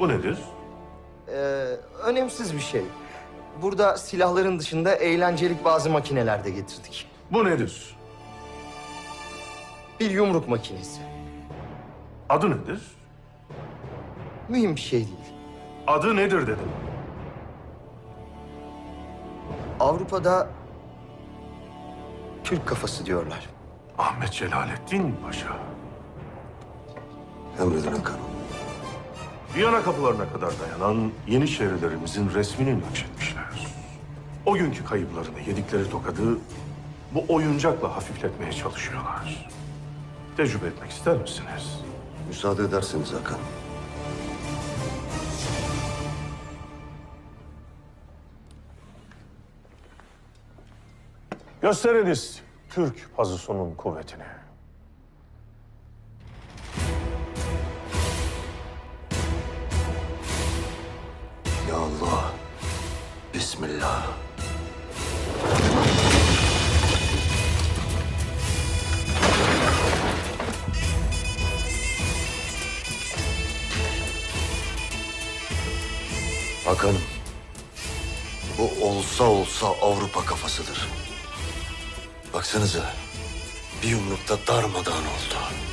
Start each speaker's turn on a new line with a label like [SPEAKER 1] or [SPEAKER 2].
[SPEAKER 1] Bu nedir?
[SPEAKER 2] Ee, Önemsiz bir şey. Burada silahların dışında eğlencelik bazı makineler de getirdik.
[SPEAKER 1] Bu nedir?
[SPEAKER 2] Bir yumruk makinesi.
[SPEAKER 1] Adı nedir?
[SPEAKER 2] Mühim bir şey değil.
[SPEAKER 1] Adı nedir dedim.
[SPEAKER 2] Avrupa'da Türk kafası diyorlar.
[SPEAKER 1] Ahmet Celalettin Paşa.
[SPEAKER 3] Emredin Hakan.
[SPEAKER 1] Viyana kapılarına kadar dayanan Yeniçerilerimizin resmini nakşetmişler. O günkü kayıplarını yedikleri tokadı bu oyuncakla hafifletmeye çalışıyorlar. Tecrübe etmek ister misiniz?
[SPEAKER 3] Müsaade ederseniz Hakan.
[SPEAKER 1] Gösteriniz Türk pazusunun kuvvetini.
[SPEAKER 3] Ya Allah. Bismillah. Hakan'ım. Bu olsa olsa Avrupa kafasıdır. Baksanıza. Bir yumrukta darmadağın oldu.